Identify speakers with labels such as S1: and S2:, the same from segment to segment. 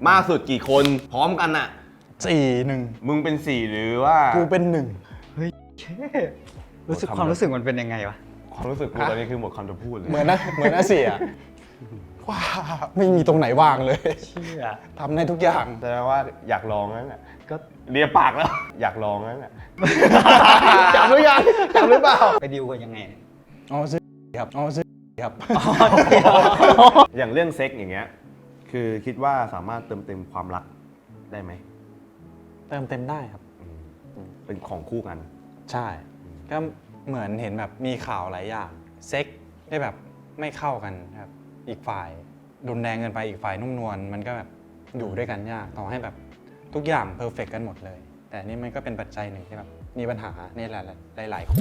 S1: มากสุดกี่คนพร้อมกันน่ะ
S2: 4-1
S1: มึงเป็น4หรือว่า
S2: กูเป็น
S3: ความรู้สึกมันเป็นยังไงวะ
S1: ความรู้สึกกูตอนนี้คือหมดคำจะพูดเลย
S2: 1เหมือนนะเสียว้าไม่มีตรงไหนว่างเลย
S3: เชี่ย
S2: ทำได้ทุกอย่าง
S1: แสดงว่าอยากลองนั่นแหละก็เลียปากแล้ว อยากลองนั่นแหละ
S2: จำหรือยังจำหรือเปล่า
S3: ไปดิวกันยังไง
S2: อ๋อซื้อครับอ๋อซื้อครับ
S1: อย่างเรื่องเซ็กอย่างเงี้ยคือคิดว่าสามารถเติมเต็มความรักได้ไหม
S2: เติมเต็มได้ครับ
S1: เป็นของคู่กัน
S2: ใช่ ก็เหมือนเห็นแบบมีข่าวหลายอย่างเซ็กได้แบบไม่เข้ากันครับอีกฝ่ายรุนแรงเกินไปอีกฝ่ายนุ่มนวลมันก็แบบอยู่ด้วยกันยากต่อให้แบบทุกอย่างเพอร์เฟกกันหมดเลย แต่นี่มันก็เป็นปัจจัยหนึ่งที่แบบมีปัญหาในหลายคู่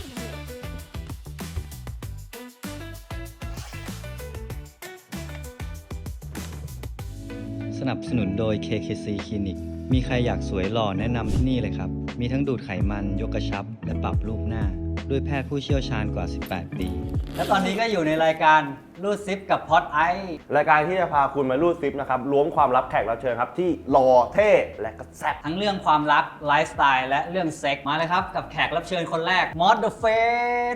S4: สนับสนุนโดย KKC Clinic มีใครอยากสวยหล่อแนะนำที่นี่เลยครับ มีทั้งดูดไขมัน ยกกระชับ และปรับรูปหน้า ด้วยแพทย์ผู้เชี่ยวชาญกว่า 18 ปี
S3: แล้วตอนนี้ก็อยู่ในรายการรูดซิปกับพอดไอ
S1: รายการที่จะพาคุณมารูดซิปนะครับล้วงความลับแขกรับเชิญครับที่หล่อเท่และก็แซ่บ
S3: ทั้งเรื่องความรักไลฟ์สไตล์และเรื่องเซ็กมาเลยครับ กับแขกรับเชิญคนแรกมอสเดอะเฟส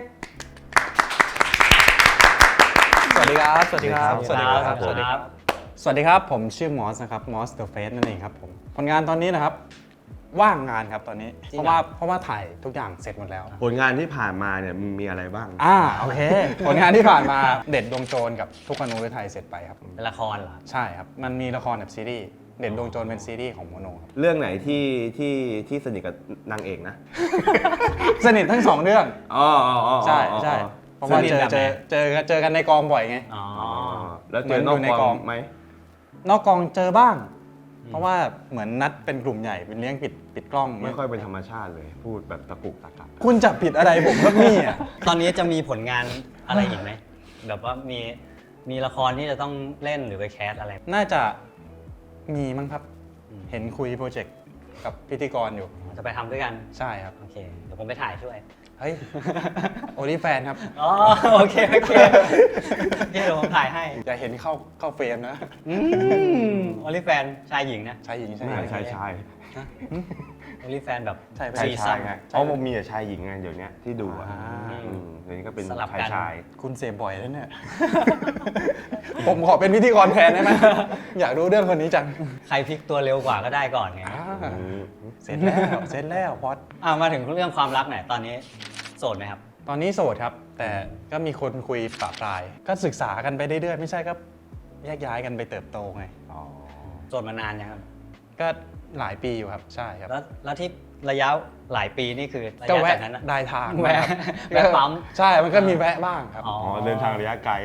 S2: สวัสดีครับ สวัสดีครับ
S1: สวัสดีครับ
S3: สวัสดีครับ
S2: สวัสดีครับ ผมชื่อมอสนะครับมอสเดอะเฟสนั่นเองครับผมผลงานตอนนี้นะครับว่างงานครับตอนนี้
S3: จริ
S2: เพ
S3: งเหรอ
S2: ราะว่าถ่ายทุกอย่างเสร็จหมดแล้ว
S1: ผลงานที่ผ่านมาเนี่ยมึงมีอะไรบ้าง
S2: โอเค ผลงานที่ผ่านมาเด็ดดวงโจรกับทุกคนรู้ไทยเสร็จไปครับ
S3: เป็นละครเหรอ
S2: ใช่ครับ มันมีละครแบบซีรีส์เด็ดดวงโจรเป็นซีรีส์ของโมโนครับ
S1: เรื่องไหนที่สนิทกับนางเอกนะ
S2: สนิททั้งสองเรื่อง
S1: อ๋อ
S2: ใช่ใช่เพราะว่า
S3: สนิทแบบไหน
S2: เจอกันในกองบ่อยไง
S3: อ๋อ
S1: แล้วเจอนอก
S2: เหมือนอยู่ใน
S1: ก
S2: ก
S1: อ
S2: อง ง
S1: ไหม
S2: นอกกองเจอบ้าง เพราะว่าเหมือนนัดเป็นกลุ่มใหญ่เป็นเลี้ยงปิดกล้อง
S1: ไม่ค่อยเป็นธรรมชาติเลย พูดแบบตะกุกตะกัก
S2: คุณจับผิดอะไรผมครับเนี่ย
S3: ตอนนี้จะมีผลงานอะไรอีกไหมแบบว่ามีละครที่จะต้องเล่นหรือไปแคสอะไร
S2: น่าจะมีมั้งครับ เห็นคุยโปรเจกต์กับพิธีกรอยู่
S3: จะไปทำด้วยกัน
S2: ใช่ครับ
S3: โอเค เดี๋ยวผมไปถ่ายช่วย
S2: เฮ้ย โอลิแฟนครับ
S3: อ๋อ โอเคเดี๋ยวผมถ่ายให้
S2: อย่าเห็นเข้าเฟรมนะ
S3: โอลิแฟนชายหญิงนะ
S2: ชายหญิงใช่
S1: ไม่
S2: ไหม
S1: ใช่ชาย
S3: โอลิแฟนแบบ
S2: ใช่
S1: ชาย
S3: ซีซั่
S1: ชาย
S3: น
S1: ไงเพราะมันมีแต่ชายหญิงไงเดี๋ยวนี้ที่ดูอ่ะ
S2: อ่า
S1: เดี๋ยวนี้ก็เป็น
S3: สลับ
S1: ชาย
S3: กัน
S1: ชาย
S2: คุณเสพบ่อยแล้วเนี่ย ผมขอเป็นพิธีกรแทนได้ไหม อยากรู้เรื่องคนนี้จัง
S3: ใครพลิกตัวเร็วกว่าก็ได้ก่อนไง
S2: เสร็จแล้วพอด
S3: มาถึงเรื่องความรักหน่อยตอนนี้โสดไหมครับ
S2: ตอนนี้โสดครับ แต่ก็มีคนคุยปะปลาย ก็ศึกษากันไปเรื่อยๆไม่ใช่ก็แยกย้ายกันไปเติบโตไง
S1: อ๋อ
S3: โสดมานานยังครับ
S2: ก็หลายปีอยู่ครับ ใช่ครับ
S3: แล้วที่ระยะหลายปีนี่คือระ
S2: ก็
S3: ยะ
S2: แวะ
S3: จากนั้นนะ
S2: ได้ทาง
S3: แวะ
S2: ครับ
S3: แวะปั๊ม
S2: ใช่ มันก็มีแวะบ้างครับ
S3: อ๋อ
S1: อ๋อเดินทางระยะไกล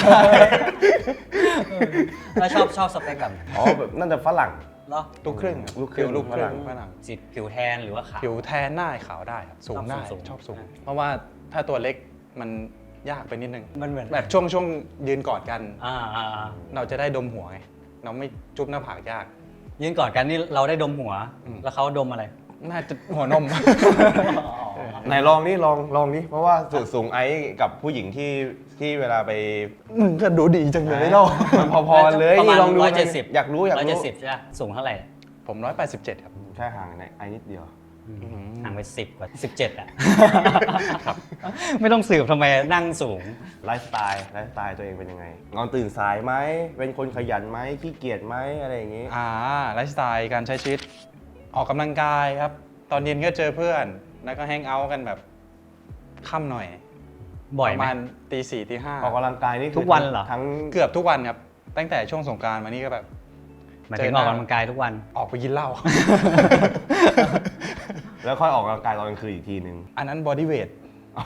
S3: แล้วชอบสเปคแบบไหน
S1: อ๋อแบบน่าจะฝรั่ง
S3: เหรอ
S2: ลูกครึ่งครับ
S1: ลูกครึ่ง
S2: ลูกครึ่ง
S1: ฝ
S2: ฝ
S1: รั่
S2: รั่
S1: ง
S2: ง
S3: สีผิวแทนหรือว่าขาว
S2: ผิวแทนได้ขาวได้ครับสูงได้
S3: สูง
S2: ชอบสูง
S3: นะ
S2: เพราะว่าถ้าตัวเล็กมันยากไปนิดนึง
S3: มันเหมือน
S2: แบบช่วงยืนกอดกัน
S3: อ่า
S2: เราจะได้ดมหัวไงเราไม่จุ๊บหน้าผากยาก
S3: ยืนกอดกันนี่เราได้ดมหัว
S2: อืม
S3: แล้วเขาดมอะไร
S2: น่าจะหัวนม
S1: ไหนลองนี่ลองนี่เพราะว่าส่วนสูงไอ้กับผู้หญิงที่เวลาไป
S2: มึงก็ดูดีจังเลยเนาะ
S1: มันพอๆเลย
S3: ประมาณ
S1: นี่ลองดู
S3: 170
S1: อยากรู้
S3: 170ใช่ไหมสูงเท่าไหร่
S2: ผม187ครับ
S1: แค่ห่างไอ้นิดเดียว
S3: ห่างไป10 กว่า 17 อ่ะ ไม่ต้องสืบทำไมนั่งสูง
S1: ไลฟ์สไตล์ตัวเองเป็นยังไงนอนตื่นสายไหมเป็นคนขยันไหมขี้เกียจไหมอะไรอย่างงี้
S2: ไลฟ์สไตล์การใช้ชีวิตออกกำลังกายครับ ตอนเย็นก็เจอเพื่อน แล้วก็แฮงเอาท์กันแบบค่ำหน่อย
S3: บ่อย
S2: ประ
S3: ไหม
S2: มาณตี 4ตี
S1: ออกกำลังกายนี่คือ
S3: ทุกวันเหรอ
S1: ทั้ง
S2: เกือบทุกวันครับ ตั้งแต่ช่วงสงกรานต์มานี่ก็แบบ
S3: หมายถึงออกกำลังกายทุกวัน
S2: ออกไปกินเหล้า
S1: แล้วค่อยออกกำลังกายตอนกลางคืนอีกทีนึง
S2: อันนั้นบอดี้เวท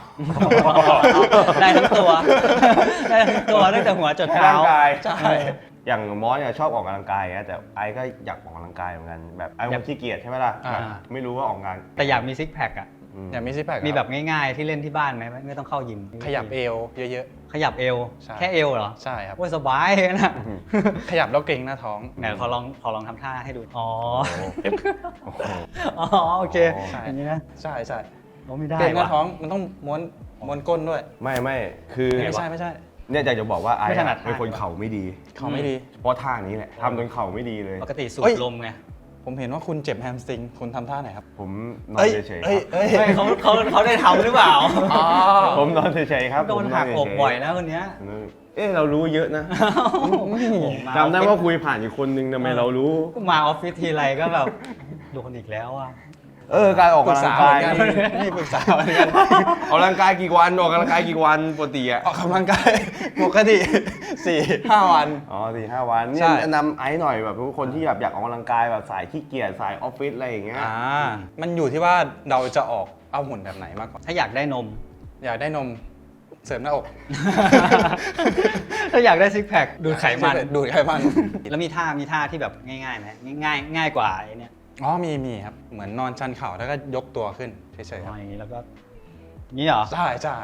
S3: ได้ทั้งตัว ได้ทั้งตัวตั้งแต่หัวจด
S1: ให้
S3: เท้า
S1: ร่างกาย
S2: ใช่
S1: อย่างมอสเนี่ยชอบออกกำลังกายนะแต่ไอ้ก็อยากออกกำลังกายเหมือนกันแบบไอ้คนขี้เกียจใช่ไหมล่ะ
S2: อ่า
S1: ไม่รู้ว่าออกงาน
S3: แต่อยากมีซิกแพคอ่ะ
S2: อยากมีซิกแพค
S3: มีแบบง่ายๆที่เล่นที่บ้านไหมไม่ต้องเข้ายิม
S2: ขยับเอวเยอะ
S3: ขยับเอว
S2: ใช่
S3: แค่เอวเหรอ
S2: ๆ ใช่ครับ
S3: โอ้ยสบายนะ
S2: ขยับแล้วเกรงหน้าท้อง
S3: ไหนขอลองทำท่าให้ดู อ๋อ
S1: โอ้โห
S3: อ๋อ โอเค
S2: ใช่
S3: อย่างนี้นะ
S2: ใช่ใช่
S3: โอ้ไม่ได้
S2: เกรงหน้า
S3: ว่ะ
S2: ท้องมันต้องม้วนก้นด้วย
S1: ไม่คือ
S2: ไม่ใช่
S1: เนี่ยอยากจะบอกว่าไอ้
S3: ไม่ถนัด
S1: เป็นคนเข่าไม่ดี
S2: เขาไม่ดี
S1: เพราะท่านี้แหละทำจนเข่าไม่ดีเลย
S3: ปกติสู
S2: เอ้
S3: บ
S2: ย
S3: ลมไง
S2: ผมเห็นว่าคุณเจ็บแฮมสตริงคุณทำท่าไหนครับ
S1: ผมนอนเฉยๆค
S2: เอ้
S1: รั
S2: ย
S1: บ
S2: เอ้ย
S3: ไม่เขาได้ทำหรือเปล่า
S1: ผมนอนเฉยๆครับ
S3: โดน
S1: ผม
S3: หักอก
S1: เฉๆ
S3: บ่อยนะคนเนี้ย
S1: เอ๊ะเรารู้เยอะนะ
S3: มา
S1: จำได้ว่าคุยผ่านอีกคนนึงทำไมเรารู้
S3: มาออฟฟิศทีไรก็แบบโดนอีกแล้วอ่ะ
S1: การออก
S2: ปรึก
S1: กำลั
S2: ษาง เห
S1: กา
S2: มื
S1: ย
S2: อนกันนี่ปรึกษาเหมือนกัน
S1: ออกกำลังกายกี่วันออกกำลังกายกี่วันปกติอะ
S2: ออกกำลังกายปกติ 4-5 วัน
S1: อ๋อ4-5 วันเนี่
S2: ใช่
S1: ยแนะนำไอ้หน่อยแบบทุกคนที่แบบอยากออกกำลังกายแบบสายขี้เกียจสายออฟฟิศอะไรอย่างเงี้ย
S2: มันอยู่ที่ว่าเราจะออกเอาหุ่นแบบไหนมากกว่า
S3: ถ้าอยากได้นม
S2: อยากได้นมเสริมหน้าอก
S3: ถ้าอยากได้ซิกแพคดูดไขมัน
S2: ดูดไขมัน
S3: แล้วมีท่าที่แบบง่ายๆไหมง่ายกว่าไอ้เนี่ย
S2: อ๋อมีครับ เหมือนนอนชันเข่าแล้วก็ยกตัวขึ้นเฉยๆครับ
S3: อย่างนี้แล้วก็นี่เหรอ
S2: ใช่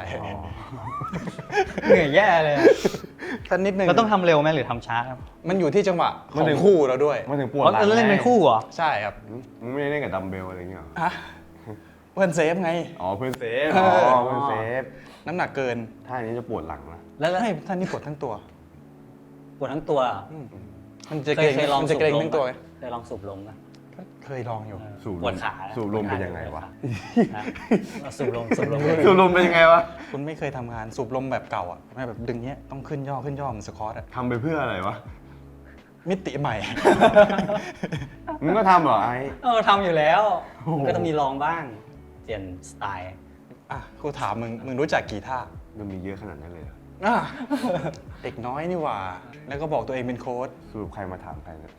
S3: เหนื่อยแย่เลยอะ
S2: สักนิดนึง
S3: เราต้องทำเร็วไหมหรือทำช้าครับ
S2: มันอยู่ที่จังหวะของคู่เราด้วย
S1: มันถึงปวดหลัง
S3: เล่นเป็นคู่เหรอ
S2: ใช่ครับ
S1: มึงไม่ได้เล่นกับดัมเบลอะไรอย่างเงี้ยหรอ
S2: ฮะเพื่อนเซฟไง
S1: อ๋อเพื่อนเซฟ
S2: เออ
S1: เพื่อนเซฟ
S2: น้ำหนักเกิน
S1: ท่านี้จะปวดหลังนะ
S3: แล้ว
S2: ให้ท่านนี้ปวดทั้งตัว
S3: ปวดทั้งตัวเหรอ
S2: มันจะเกร็ง
S3: เคยลอง
S2: มันจะเกร็งทั้งตัว
S3: เคยลองสูบลมปะ
S2: ก็เคยลองอยู่
S1: สูบ
S3: ปวดขา
S1: สูบลมเป็นยังไงวะ
S3: ฮะสูบลม
S1: สูบลมเป็นยังไงวะ
S2: คุณไม่เคยทำงานสูบลมแบบเก่าอ่ะไม่แบบดึงเนี้ยต้องขึ้นย่อเหมือนสควอตอ่ะ
S1: ทำไปเพื่ออะไรวะ
S2: มิติใหม่
S1: มึงก็ทำเหรอไอ้
S3: ทำอยู่แล้ว
S1: โอ้โห
S3: ก็ต้องมีลองบ้าง เปลี่ยนสไตล์
S2: อ่ะกูถามมึงรู้จักกี่ท่า
S1: มันมีเยอะขนาดนั้นเลยเหรอ
S2: อ่ะเด็กน้อยนี่หว่า แล้วก็บอกตัวเองเป็นโค้ช
S1: สรุปใครมาถามใครเนี่ย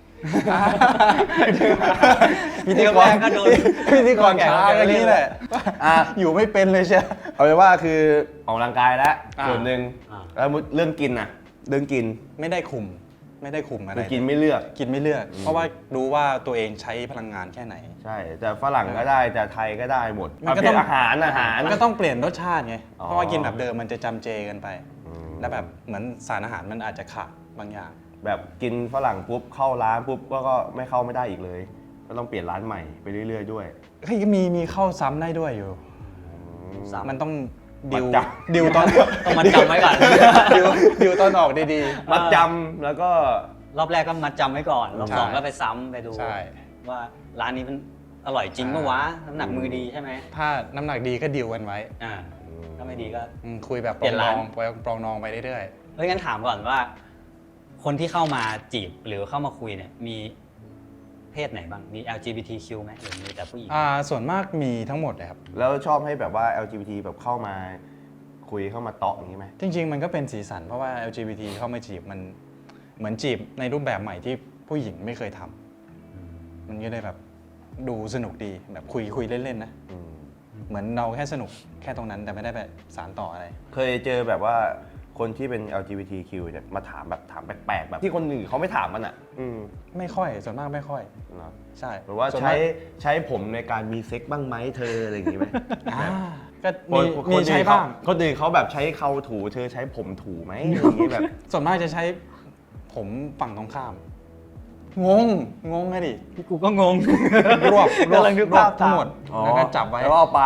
S2: พิธีกรก็โดนพิธีกรช้ากันนี่แหละ
S1: อ่ะ
S2: อยู่ไม่เป็นเลยใช่
S1: เอาเป็นว่าคือออกกำลังกายแล้ว
S2: อ่า
S1: ส่วนหนึ่ง
S3: อ่า
S1: แล้วเรื่องกินน่ะเรื่องกิน
S2: ไม่ได้คุมอะไร
S1: คือกินไม่เลือก
S2: กินไม่เลือก เพราะว่ารู้ว่าตัวเองใช้พลังงานแค่ไหน
S1: ใช่แต่ฝรั่งก็ได้แต่ไทยก็ได้หมด
S2: มันก็ต้อง
S1: ประเภทอาหาร
S2: มันก็ต้องเปลี่ยนรสชาติไง
S1: อ๋อ
S2: เพราะว่ากินแบบเดิมมันจะจำเจกันไป
S1: อืม
S2: แล้วแบบเหมือนสารอาหารมันอาจจะขาดบางอย่าง
S1: แบบกินฝรั่งปุ๊บเข้าร้านปุ๊บก็ไม่เข้าไม่ได้อีกเลย ก็ต้องเปลี่ยนร้านใหม่ไปเรื่อยๆด้วย
S2: เฮ้ยมีเข้าซ้ำได้ด้วยอยู่
S3: ซ้ำ
S2: มันต้องดิว
S1: มัดจำ
S2: ดิวตอน
S3: ต้องมัดจำไว้ก่อน
S2: ดิวตอนออกดี
S1: มัดจำแล้วก็
S3: รอบแรกก็มัดจำไว้ก่อนรอบ
S2: ใช่
S3: สองก็ไปซ้ำไปดู
S2: ใช่
S3: ว่าร้านนี้มันอร่อยจริงปะวะน้ำหนักมือดีใช่ไหม
S2: ๆ ถ้าน้ำหนักดีก็ดิวกันไว้
S3: ถ้าไม่ดีก็
S2: คุยแบบ
S3: เปลี่ยนร้าน
S2: ปรองนองไปเรื่อย
S3: เฮ้ยงั้นถามก่อนว่า คนที่เข้ามาจีบหรือเข้ามาคุยเนี่ยมีเพศไหนบ้างมี LGBTQ ไหมหรือมีแต่ผู้หญิง
S2: ๆส่วนมากมีทั้งหมดเลยครับ
S1: แล้วชอบให้แบบว่า LGBT แบบเข้ามาคุยเข้ามาเตาะอย่างนี้ไหม
S2: จริง ๆ มันก็เป็นสีสันเพราะว่า LGBT เข้ามาจีบมันเหมือนจีบในรูปแบบใหม่ที่ผู้หญิงไม่เคยทำมันก็เลยแบบดูสนุกดีแบบคุยเล่นๆนะ
S1: อืม
S2: เหมือนเราแค่สนุกแค่ตรงนั้นแต่ไม่ได้แบบสารต่ออะไร
S1: เคยเจอแบบว่าคนที่เป็น LGBTQ เนี่ยมาถามแบบถามแปลกๆแบบที่คนอื่นเขาไม่ถามมันอ่ะ
S2: ไม่ค่อยส่วนมากไม่ค่อย
S1: เนอะ
S2: ใช่
S1: หรือว่า
S2: ส่น
S1: ใช้
S2: มก
S1: ใช้ผมในการมีเซ็กบ้างไหมเธออะไรอย่างงี้ไหม
S2: ก็
S1: คน
S2: มีใช้บ้าง
S1: คนอื่นเขาแบบใช้เขาถูเธอใช้ผมถูไหมอะไรอย่างงี้แบบ
S2: ส่วนมากจะใช้ผมฝั่งตรงข้าม งงไงดิ
S3: กูก็งง
S2: รวบ
S3: กำลังนึกภาพ
S2: ทั้งหมด
S1: อ๋อ
S2: แล้วก็จับไว้
S1: แล้วก็เอาไป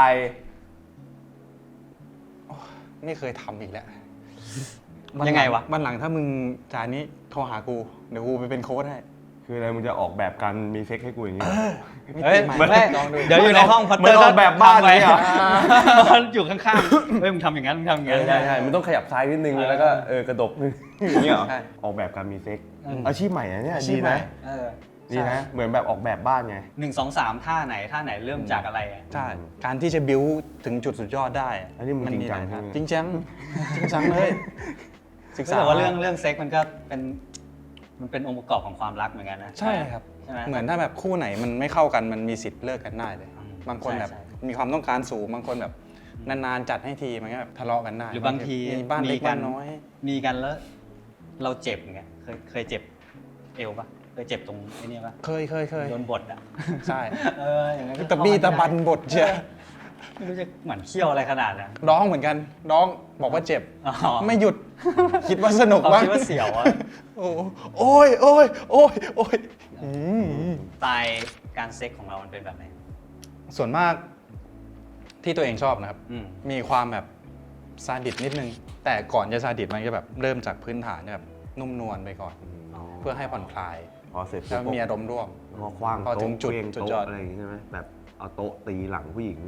S2: ไม่เคยทำอีกแล้ว
S3: ยังไงวะ
S2: วันหลังถ้ามึงจานนี้โทรหากูเดี๋ยวกูไปเป็นโค้ชให้
S1: คืออะไรมึงจะออกแบบการมีเซ็กให้กูอย่างนี้เหรอ
S3: เฮ้ย
S2: ไม่
S3: ไม่
S2: ลองดู
S3: เดี๋ยวอยู่ในห้องพัต
S1: เหมื
S3: เตอ
S1: อน
S3: ร์
S1: ออกแบบบ้านเลยอะ
S3: มันอยู่ข้างๆเฮ้ยมึงทำอย่างนั้นมึงทำอย่างนั้น
S1: ใช่ใช่มันต้องขยับซ้ายนิดนึงแล้วก็กระดกนึงอย่างนี้เหรอ
S2: ใช่
S1: ออกแบบการมีเซ็กอาชีพใหม่นะเนี่ย
S2: อาชี
S1: ดี
S2: พใหม่
S1: นะ
S3: เออ
S1: ดีนะ เหมือนแบบออกแบบบ้านไง
S3: 1 2 3ท่าไหนเริ่มจากอะไรอะ
S2: ใช่การที่จะบิ้วถึงจุดสุดยอดได้
S1: อันนี้มึงจริงจัง
S2: หลาย
S1: ใช่ไหม
S2: จริงจังจริงจังเลยศึกษา
S3: แต่ว่าเรื่องเซ็กมันก็เป็นองค์ประกอบของความรักเหมือนกันนะ
S2: ใช่ครับ
S3: ใช่ไหม
S2: เหมือนถ้าแบบคู่ไหนมันไม่เข้ากันมันมีสิทธิ์เลิกกันได้เลย บางคนแบบ
S3: ใช่
S2: มีความต้องการสูงบางคนแบบนานๆจัดให้ทีมันก็แบบทะเลาะกันได้
S3: หรือบางที
S2: มีบ้านเล็กบ้านน้อย
S3: มีกันแล้ว เราเจ็บไงเคยเจ็บเอวปะเคยเจ็บตรงไอ้นี่ปะ
S2: เคย
S3: โดนบทอ่ะ
S2: ใช่
S3: อย่างนั้นก็
S2: ตะบี้ตะบันบทเชีย
S3: ไม่รู้จะเหมือนเขี้ยวอะไรขนาดนั้น
S2: ร้องเหมือนกันร้องบอกว่าเจ็บ
S3: อ๋อ
S2: ไม่หยุด คิดว่าสนุก
S3: เขา
S2: บ้าง
S3: คิดว่าเสียวอะ
S2: โอ้ยอืม
S3: สไตล์การเซ็กของเรามันเป็นแบบไหน
S2: ส่วนมากที่ตัวเองชอบนะครับ
S3: อืม
S2: มีความแบบซาดิสนิดนึง แต่ก่อนจะซาดิสมันจะแบบเริ่มจากพื้นฐานแบบนุ่มนวลไปก่อน เพื่อให้ผ่อนคลาย
S1: พอเสร็จ
S2: แล้วมีอารมณ์ร่วม
S1: พอคว้าง
S2: พอถึงจุด
S1: เครื่อง
S2: จุด
S1: โต๊ะ
S2: ยอด
S1: อะไรอย่างงี้ใช่ไหมแบบเอาโต๊ะตีหลังผู้หญิง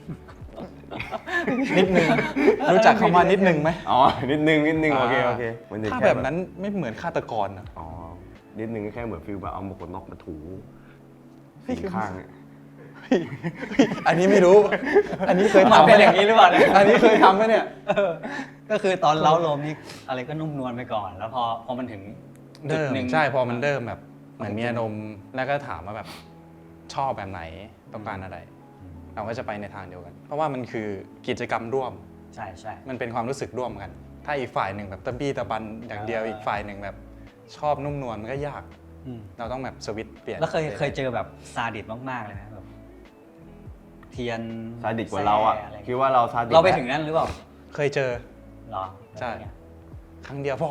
S2: นิดนึง รู้จักคำว่านิดนึงไหม
S1: อ๋อ นิดนึงโอเคมันจะ
S2: ถ้า
S1: ค่
S2: แบบนั้นไม่เหมือนฆาตกรอะ
S1: อ๋อ นิดนึงก็แค่เหมือนฟิลแบบเอาหมวกกันน็อกมาถูสีข้างเนี่ย
S2: อันนี้ไม่รู้ อันนี้เคย
S3: มัน
S2: ทำ
S3: เป็นอย่างนี้หรือเปล่าเนี่ย
S2: อันนี้เคยทำไหมเนี่ย
S3: ก็คือตอนเล้าโลมนี่อะไรก็นุ่มนวลไปก่อน แล้วพอมันถึงจุด
S2: เริ่ม
S3: หนึ่ง
S2: ใช่พอมันเริ่มแบบเหมือนมีอารมณ์แล้วก็ถามว่าแบบชอบแบบไหนต้องการอะไร เราก็จะไปในทางเดียวกัน เพราะว่ามันคือกิจกรรมร่วม
S3: ใช่ใช่
S2: มันเป็นความรู้สึกร่วมกัน ถ้าอีกฝ่ายหนึ่งแบบตะบี้ตะบันอย่างเดียวอีกฝ่ายหนึ่งแบบชอบนุ่มนวลมันก็ยาก
S3: อืม
S2: เราต้องแบบสวิตช์เปลี่ยน
S3: แล้วเคยเจอแบบซาดิสมากๆเลยไหมแบบเทียน
S1: ซาดิสกว่าเราอ่ะ
S3: แซ่ไร
S1: คิดว่าเราซาดิส
S3: เราไปถึงนั้นหรือเปล่า
S2: เคยเจอ
S3: เหรอ
S2: ใช่
S3: แล้วเป็นไง
S2: ครั้งเดียวพอ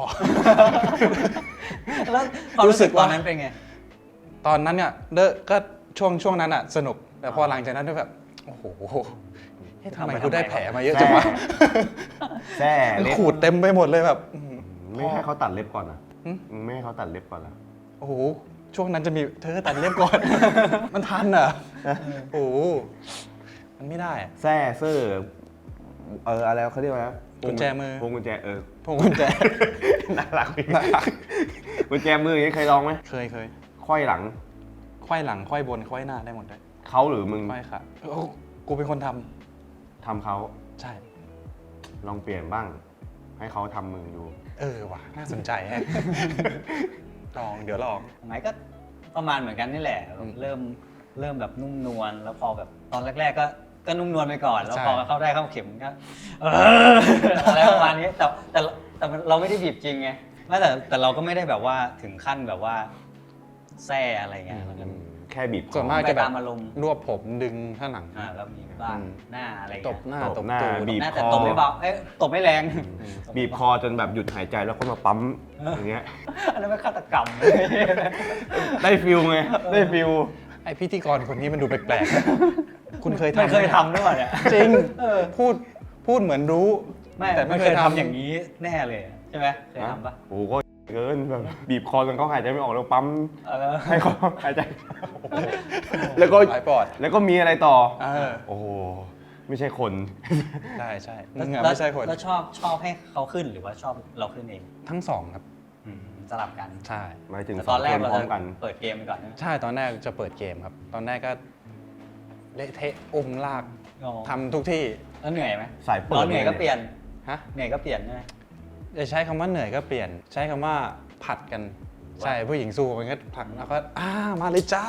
S3: แล้วความรู้สึกตอนนั้นเป็นไง
S2: ตอนนั้นเนี่ยก็ช่วงนั้นอ่ะสนุก แต่พอหลังจากนั้นก็แบบโอ้โหเฮ้ยทำไมกูได้แผลมาเยอะจังวะ
S1: แซ่
S2: มัน
S1: เล็บ
S2: ขูดเต็มไปหมดเลยแบบ
S1: ไม่ให้เขาตัดเล็บก่อนอ่ะ
S2: หึ
S1: ไม่ให้เขาตัดเล็บก่อนละ
S2: โอ้โหช่วงนั้นจะมีเธอตัดเล็บก่อน มันทันเหรอโอ้โหมันไม่ได้อะ
S1: แซ่เซอร์อะไรเขาเรียกว่าอะไรนะ
S2: กุญแจมือ
S1: พวงกุญแจ
S2: พวงกุญแจ
S1: น่ารักกุญแจมืออย่างนี้เคยลองไหม
S2: เคย
S1: ควยหลัง
S2: ไขว้หลังไขว้บนไขว้หน้าได้หมดเลย
S1: เขาหรือมึง
S2: ไขว้ค่ะโอ้กูเป็นคนท
S1: ทำเขา
S2: ำใช่
S1: ลองเปลี่ยนบ้าง ให้เขาทำมึงดู
S2: ว่ะน่าสนใจแฮะ เดี๋ยวลอง
S3: สมัยก็ประมาณเหมือนกันนี่แหละแบบเริ่มแบบนุ่มนวลแล้วพอแบบตอนแรก ๆ ก็นุ่มนวลไปก่อน แล้ว
S2: ใช่
S3: พอเข้าได้เข้าเข็มก็อะไรประมาณนี้แต่เราไม่ได้บีบจริงไงไม่แต่เราก็ไม่ได้แบบว่าถึงขั้นแบบว่าแซ่อะไรเงี้ยแล้วก็
S1: แค่บีบคอ
S2: ส่วนมาก
S3: ไป
S2: จะแบบ
S3: ตามอารมณ์
S2: รวบผมดึงข้างหลัง
S3: แล้วมีบ้างหน้าอะไร
S2: ต
S3: เงี้
S2: บ
S3: ย
S2: หน้า
S1: ต
S2: ต
S1: บบ หน้า
S2: ตูด
S1: บีบ
S3: หน้า
S1: ค
S3: แต่
S1: อ
S3: ตบไม่เบาตบไม่แรง
S1: บีบคอจนแบบหยุดหายใจแล้วก็มาปั๊มอย่างเงี้ย
S3: อันนั้นเป็นฆาตกรรม
S1: ได้ฟิลไง ได้ฟิล
S2: ไอพิธีกรคนนี้มันดูแปลกๆ คุณเคยทำ
S3: ไม่เคย
S2: ห
S3: ทำด้วยเนี่ย
S2: จริงพูดเหมือนรู้
S3: ไม่
S2: แต่
S3: ไม่เคยทำอย่างนี้แน่เลยใช่ไหมเคยทำปะ
S1: โอ้โหก็เกินแบบบีบคอจนเขาหายใจไม่ออกแล้วปั๊ม
S3: เออ
S1: ให้เขาหายใจ แล้วก็
S2: หลายปอด
S1: แล้วก็มีอะไรต่อ
S2: โอ้โห
S1: ไม่ใช่คน
S2: ใช่มึงอะไม่ใช่คน
S3: แล้วชอบให้เขาขึ้นหรือว่าชอบเราขึ้นเอง
S2: ทั้งสองครับ
S3: สลับกัน
S2: ใช่
S1: หมายถึง
S3: แต่
S1: ส
S3: ต
S1: อ
S3: อง นแร
S1: ค
S3: ก
S1: น
S3: เรา
S1: พร้อ
S3: จะ
S1: มกัน
S3: เปิดเกมไปก่อนใช่ไหม
S2: ใช่ตอนแรกจะเปิดเกมครับ ตอนแรกก็เละเทะอุ้มลาก
S3: อ๋อ
S2: ทำทุกที่
S3: แล้วเหนื่อยไหม
S1: สายเปิด
S3: ตอนเหนื่อยก็เปลี่ยน
S2: ฮะ
S3: เหนื่อยก็เปลี่ยนใช่ไหม
S2: จะใช้คำว่าเหนื่อยก็เปลี่ยน ใช้คำว่าผัดกัน ใช่ผู้หญิงสู้มันก็ผลักแล้วก็มาเลยจ้า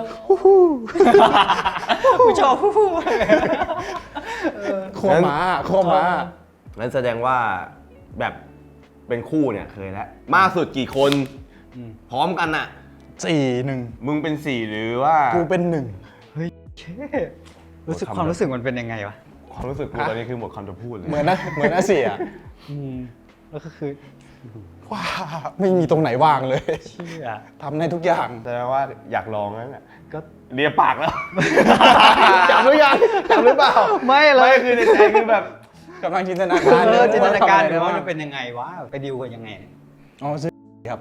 S3: ผู้ชอบผู้
S2: ขั้วม้า
S1: งั้นแสดงว่าแบบเป็นคู่เนี่ยเคยแล้ว มากสุดกี่คน พร้อมกันอะ
S2: 4-1
S1: มึงเป็นสี่หรือว่า
S2: กูเป็น
S3: ความรู้สึกมันเป็นยังไงวะ
S1: ความรู้สึกกูตอนนี้คือหมดคำจะพูดเลย
S2: 1เหมือนอาเซีย
S3: แล้วก็คือ
S2: ว้าไม่มีตรงไหนว่างเลย
S3: เชื่อ
S2: ทำได้ทุกอย่าง
S1: แสดงว่าอยากลองนั่นแหละก็เลียปากแล้ว จับหรือยังจับหรือเปล่า
S3: ไม่เลย
S1: ไม่คือในใจคือแบบ
S2: กำลังจินตนาการ
S3: จินตนาการ
S2: เล
S3: ดู
S2: ย
S3: ว่า
S2: ว่า
S3: จะเป็นยังไงวะไปดิวกันยังไง
S2: อ๋อซื้อครับ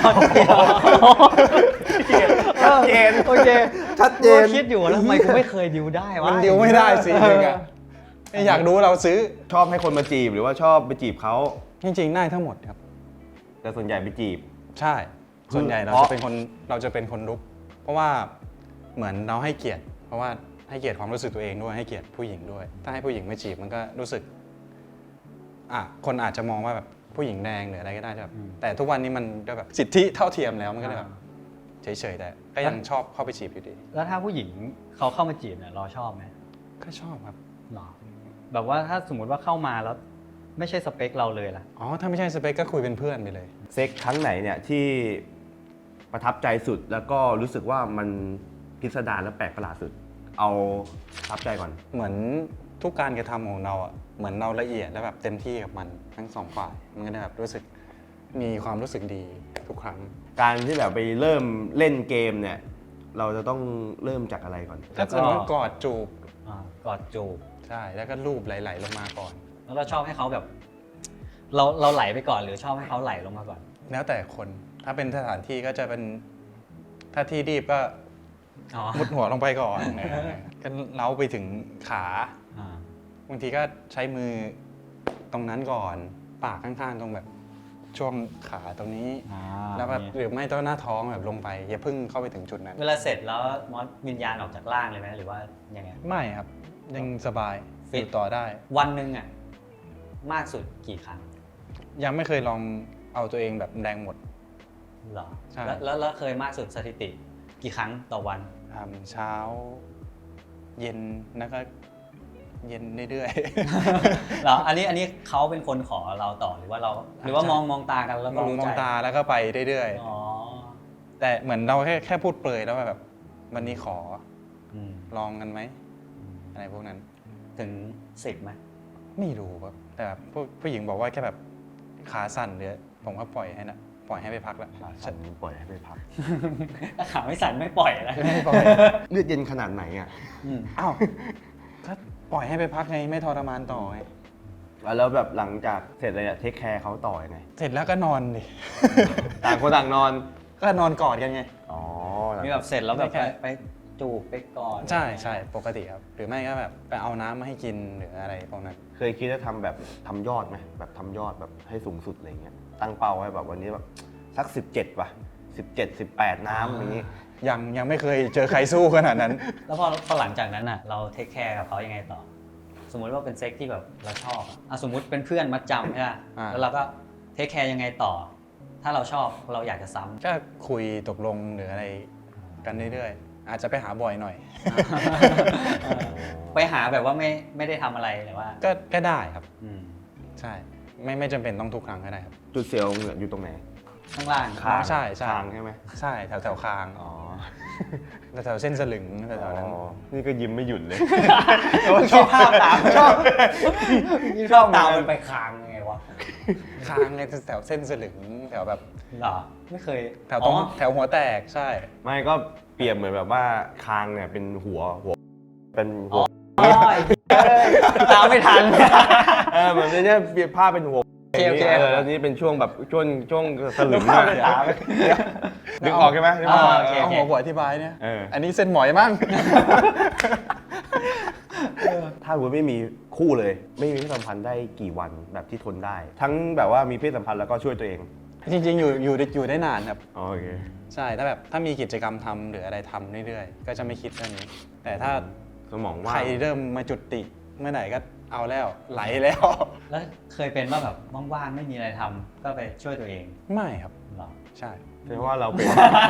S1: ชัดเจน
S3: โอเค
S1: ชัดเจน
S3: คิดอยู่แล้วทำไมกูไม่เคยดิวได้วะ
S2: มันดิวไม่ได้สิหนึ่งอะอยากรู้เราซื้อ
S1: ชอบให้คนมาจีบหรือว่าชอบไปจีบเขา
S2: จริงๆได้ทั้งหมดครับ
S1: แต่ส่วนใหญ่ไปจีบ
S2: ใช่ ส่วนใหญ่เรา
S1: เพราะ
S2: จะเป็นคนรุก เพราะว่าเหมือนเราให้เกียรติ เพราะว่าให้เกียรติความรู้สึกตัวเองด้วยให้เกียรติผู้หญิงด้วย ถ้าให้ผู้หญิงไม่จีบมันก็รู้สึกคนอาจจะมองว่าแบบผู้หญิงแดงหรืออะไรก็ได้แบบแต่ทุกวันนี้มันก็แบบสิทธิเท่าเทียมแล้วมันก็เลยแบบเฉยๆแต่ก็ยังชอบเข้าไปจีบอยู่ดี
S3: แล้วถ้าผู้หญิงเขาเข้ามาจีบเนี่ยเราชอบไหม
S2: ก็ชอบครับ
S3: หรอแบบว่าถ้าสมมติว่าเข้ามาแล้วไม่ใช่สเปคเราเลยล่ะ
S2: อ๋อถ้าไม่ใช่สเปคก็คุยเป็นเพื่อนไปเลย
S1: เซ็กครั้งไหนเนี่ยที่ประทับใจสุดแล้วก็รู้สึกว่ามันพิสดารและแปลกประหลาดสุด เอาประทับใจก่อน
S2: เหมือนทุกการกระทำของเราอ่ะเหมือนเราละเอียดและแบบเต็มที่กับมันทั้งสองฝ่ายมันก็ได้แบบรู้สึกมีความรู้สึกดีทุกครั้ง
S1: การที่แบบไปเริ่มเล่นเกมเนี่ย เราจะต้องเริ่มจากอะไรก่อน
S2: ถ้าเกิดว่ากอดจูบ
S3: กอดจูบ
S2: ใช่แล้วก็รูปไหลๆลงมาก่อน
S3: แล้วเราชอบให้เขาแบบ เราไหลไปก่อนหรือชอบให้เขาไหลลงมาก่อน
S2: แล้วแต่คนถ้าเป็นสถานที่ก็จะเป็นถ้าที่รีบก็
S3: อ๋อ
S2: มุดหัวลงไปก่อนก็เล้าไปถึงขา
S3: อ่า
S2: บางทีก็ใช้มือตรงนั้นก่อนปากข้างๆตรงแบบช่วงขาตรงนี้ แล้วแบบหรือไม่ต้องหน้าท้องแบบลงไปอย่าเพิ่งเข้าไปถึงจุดนั้น
S3: เวลาเสร็จแล้วมอสวิญญาณออกจากร่างเลยไหมหรือว่ายังไง
S2: ไม่ครับ ยังสบาย
S3: ฟิต
S2: อยู่ต่อได้
S3: วันหนึ่งอ่ะมากสุดกี่ครั้ง
S2: ยังไม่เคยลองเอาตัวเองแบบแดงหมด
S3: เหรอ
S2: ใช่
S3: แล้วเคยมากสุดสถิติ กี่ครั้งต่อวัน
S2: ทำเช้า เย็นแล้วก็เย็นเรื่อย
S3: เหรออันนี้เขาเป็นคนขอเราต่อหรือว่าเรา หรือว่ามองตากันแล้ว
S2: ๆ
S3: ก็
S2: มอง
S3: รู้
S2: มอง
S3: ใจ
S2: ตาแล้วก็ไปเรื่อย
S3: อ๋อ
S2: ๆ แต่เหมือนเราแค่พูดเปรยแล้วแบบวันนี้ขอ
S3: อืม
S2: ลองกันไหมอะไรพวกนั้น
S3: ถึง10ไหม
S2: ไม่รู้ครับแต่แบบผู้หญิงบอกว่าแค่แบบขาสั่นเดี๋ยวผมก็ปล่อยให้นะปล่อยให้ไปพักแล้ว
S1: ฉันปล่อยให้ไปพัก
S3: ถ้าขาไม่สั่นไม่ปล่อยแล้ว
S2: ไม่ปล่อย
S1: เลือดเย็นขนาดไหนอ่ะ
S2: อ้าวถ้าปล่อยให้ไปพักไงไม่ทรมานต่อไง
S1: แล้วแบบหลังจากเสร็จเลยอะเทคแคร์เขาต่อยังไง
S2: เสร็จแล้วก็นอนดิ
S1: ต่างคนต่างนอน
S2: ก็นอนกอดกันไง
S1: อ๋อ
S3: มีแบบเสร็จแล้วแบบ
S2: ไม่แค่
S3: ไปจูบไปกอด
S2: ใช่ใช่ปกติครับ หรือไม่ก็แบบไปเอาน้ำมาให้กินหรืออะไรพวกนั้น
S1: เคยคิดจะทำแบบทำยอดไหมแบบทำยอดแบบให้สูงสุดอะไรเงี้ย ตั้งเป้าไว้แบบวันนี้แบบสัก17ว่ะ17 18น้ำอย่างนี้
S2: ยังไม่เคยเจอใครสู้ขนาดนั้น
S3: แล้วพอหลังจากนั้นอ่ะเราเทคแคร์กับเขายังไงต่อ สมมุติว่าเป็นเซ็กที่แบบเราชอบอะสมมุติเป็นเพื่อนมัดจำใช่ไหม
S2: อ่า
S3: แล้วเราก็เทคแคร์ยังไงต่อ ถ้าเราชอบเราอยากจะซ้ำ
S2: ก็คุยตกลงหรืออะไรกันเรื่อยๆ อาจจะไปหาบ่อยหน่อย
S3: ไปหาแบบว่าไม่ได้ทำอะไรแต่ว่า
S2: ก็ได้ครับ
S3: อืม
S2: ใช่ ไม่จำเป็นต้องทุกครั้งก็ได้ครับ
S1: จุดเสียวเหงื่ออยู่ตรงไหน
S3: ข้างล่าง
S2: อ๋อใช่ใช่
S1: คางใช่ไหม
S2: ใช่แถวคาง
S1: อ๋อ
S2: แถวเส้นสลึงแถวๆนั้น
S1: อ๋อนี่ก็ยิ้มไม่หยุดเลย
S3: คิดภาพตามชอบชอบตามมันไปคางไงวะ
S2: คางในแถวเส้นสลึงแถวแบบ
S3: เหรอไม่เคย
S2: แถวตรง
S3: อ๋อ
S2: แถวหัวแตกใช่
S1: ไม่ก็เปรียบเหมือนแบบว่าคางเนี่ยเป็นหัวเป็นหัว
S3: โอ้ยตามไม่ทัน
S1: เหมือนเนี่ยเปรียบภาพเป็นหัว
S3: โอเคโอเค
S1: แล้วนี่เป็นช่วงแบบช่วงสลึง
S3: นึกภาพ
S1: อะ
S3: เลยถาม
S1: นึกออกใช่ไหมนึกออก
S3: โอเค
S2: เอาหัวอธิบายเนี่ย
S1: เออ
S2: อันนี้เส้นหมอยมั้ง
S1: ถ้าคุณไม่มีคู่เลย ไม่มีเพศสัมพันธ์ได้กี่วันแบบที่ทนได้ ทั้งแบบว่ามีเพศสัมพันธ์แล้วก็ช่วยตัวเอง
S2: จริงๆอยู่ได้นานครับ
S1: อ๋อโอเค
S2: ใช่ถ้ามีกิจกรรมทำหรืออะไรทำเรื่อยๆ ก็จะไม่คิดเรื่องนี้ แต่ถ้า
S1: สมองว่า
S2: ใครง เริ่มมาจุดติเมื่อไหร่ก็เอาแล้วไหลแล้ว
S3: แล้วเคยเป็นว่าแบบว่างๆไม่มีอะไรทำก็ไปช่วยตัวเอง
S2: ไม่ครับ
S3: เหรอ
S2: ใช่
S1: แสดงว่าเราเป็น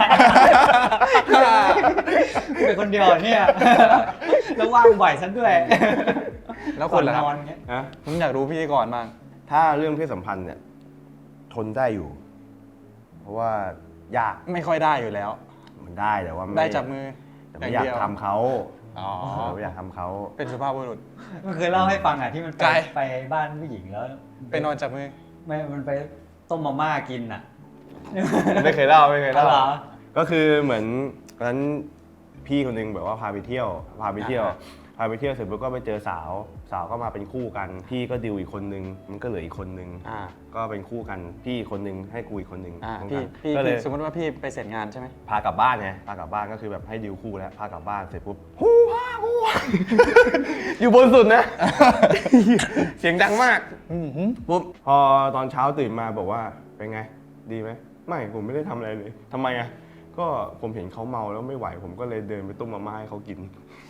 S3: เป็นคนเดียวเนี่ย แล้วว่างบ่อยซะด้วย
S2: แล้วคุณล่ะครับ
S3: ก่อนนอนเงี้ย
S1: นะ
S2: ผมอยากรู้พิธีกรบ้าง
S1: ถ้าเรื่องเพศสัมพันธ์เนี่ยทนได้อยู่ เพราะว่ายาก
S2: ไม่ค่อยได้อยู่แล้ว
S1: มันได้แต่ว่าไม่
S2: ได้จับมือ
S1: แต่ไม่อยากทำเขา
S2: อ๋อ
S1: ไม่อยากทำเขา
S2: เป็นสุภาพบุรุษ
S3: มันเคยเล่าให้ฟังอ่ะที่มัน
S2: ไกล
S3: ไปบ้านผู้หญิงแล้ว
S2: ไปนอนจับมือ
S3: มันไปต้มมาม่ากินอ่ะ
S1: ไม่เคยเล่าไม่เคยเล่า
S3: อ๋อเหรอ
S1: ก็คือเหมือนตอนนั้นพี่คนหนึงแบบว่าพาไปเที่ยวเสร็จปุ๊บก็ไปเจอสาวก็มาเป็นคู่กัน พี่ก็ดิวอีกคนนึงมันก็เหลืออีกคนนึง
S2: อ่า
S1: ก็เป็นคู่กันพี่คนนึงให้กูอีกคนนึง
S2: อ่า
S1: คู่
S2: พี่
S1: กัน
S2: พี่
S1: ก็เลย
S2: สมมติว่าพี่ไปเสร็จงานใช่ไหม
S1: พากลับบ้านไงพากลับบ้านก็คือแบบให้ดิวคู่แล้วพากลับบ้านเสร็จปุ๊บฮู้ฮ่าฮู้ฮ่า อยู่บนสุดนะ เสียงดังมากปุ๊บพอตอนเช้าตื่นมาบอกว่าเป็นไงดีไหมไม่ผมไม่ได้ทำอะไรเลยทำไมอ่ะก็ผมเห็นเขาเมาแล้วไม่ไหว ผมก็เลยเดินไปต้มมาม่าให้เขากิน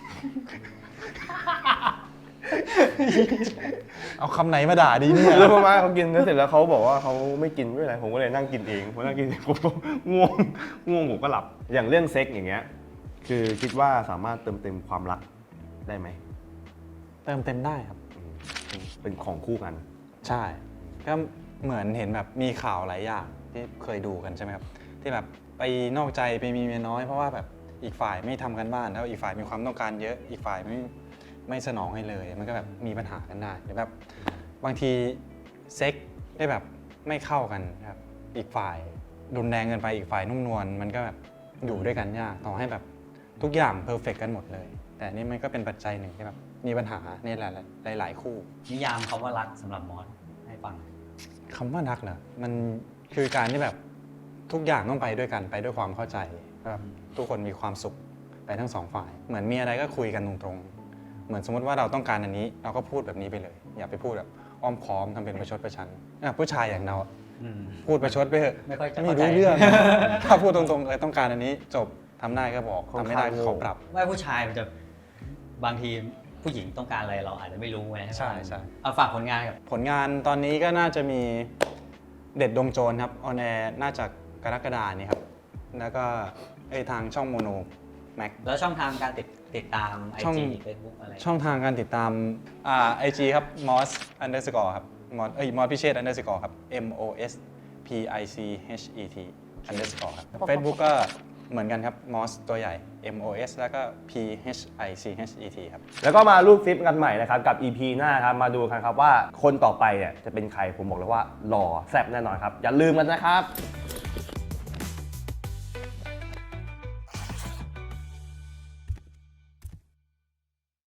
S2: เอาคำไหนมาด่าดีเนี่ย
S1: แล้วมาม่าเขากินแล้วเสร็จแล้วเขาบอกว่าเขาไม่กินไม่เป็นไรผมก็เลยนั่งกินเองพอนั่งกินเองผมก็ง่วงผมก็หลับ อย่างเรื่องเซ็กอย่างเงี้ยคือคิดว่าสามารถเติมเต็มความรักได้ไหม
S2: เติมเต็มได้ครับ
S1: เป็นของคู่กัน
S2: ใช่ ก็เหมือนเห็นแบบมีข่าวหลายอย่างที่เคยดูกันใช่ไหมครับ ที่แบบไปนอกใจไปมีเมียน้อยเพราะว่าแบบอีกฝ่ายไม่ทำกันบ้านแล้วอีกฝ่ายมีความต้องการเยอะอีกฝ่ายไม่สนองให้เลย มันก็แบบมีปัญหากันได้หรือแบบบางทีเซ็กได้แบบไม่เข้ากันครับอีกฝ่ายรุนแรงเกินไปอีกฝ่ายนุ่มนวลมันก็แบบอยู่ด้วยกันยากต่อให้แบบทุกอย่างเพอร์เฟกกันหมดเลย แต่นี่มันก็เป็นปัจจัยหนึ่งที่แบบมีปัญหาในหลายคู่
S3: นิยามคำว่ารักสำหรับมอสให้ฟัง
S2: คำว่ารักเหรอมันคือการที่แบบทุกอย่างต้องไปด้วยกันไปด้วยความเข้าใจแบบทุกคนมีความสุขไปทั้งสองฝ่าย เหมือนมีอะไรก็คุยกันตรงๆเหมือนสมมติว่าเราต้องการอันนี้เราก็พูดแบบนี้ไปเลย อย่าไปพูดแบบอ้อมค้อมทำเป็นประชดประชันผู้ชายอย่างเราพูดประชดไปเถอะ
S3: ไม่ค่อยจะ
S2: ไม่
S3: เข้าใจ
S2: รู้เรื่อง ถ้าพูดตรงๆต้องการอันนี้จบทำได้ก็บอกทำไม่ได้ก็ขอปรับ
S3: ว่าผู้ชายมันจะบางทีผู้หญิงต้องการอะไรเราอาจจะไม่รู้ไง
S2: ใช่
S3: เอาฝากผลงานกับ
S2: ผลงานตอนนี้ก็น่าจะมีเด็ดดวงโจรครับออนแอร์น่าจะกรกฎานี้ครับ แล้วก็ทางช่องโมโนแม็ก
S3: แล้วช่องทางการติดตาม
S2: ช่อง
S3: IG Facebook อะไร
S2: ช่องทางการติดตามIG ครับ mos underscore ครับ mos พิเชษ underscore ครับ mos pichet underscore ครับ Facebook ก็เหมือนกันครับ mos ตัวใหญ่ mos แล้วก็ phichet ครับ
S1: แล้วก็มารูปซิปกันใหม่นะครับกับ EP หน้าครับมาดูกันครับว่าคนต่อไปเนี่ยจะเป็นใครผมบอกเลยว่าหล่อแซ่บแน่นอนครับอย่าลืมกันนะครับ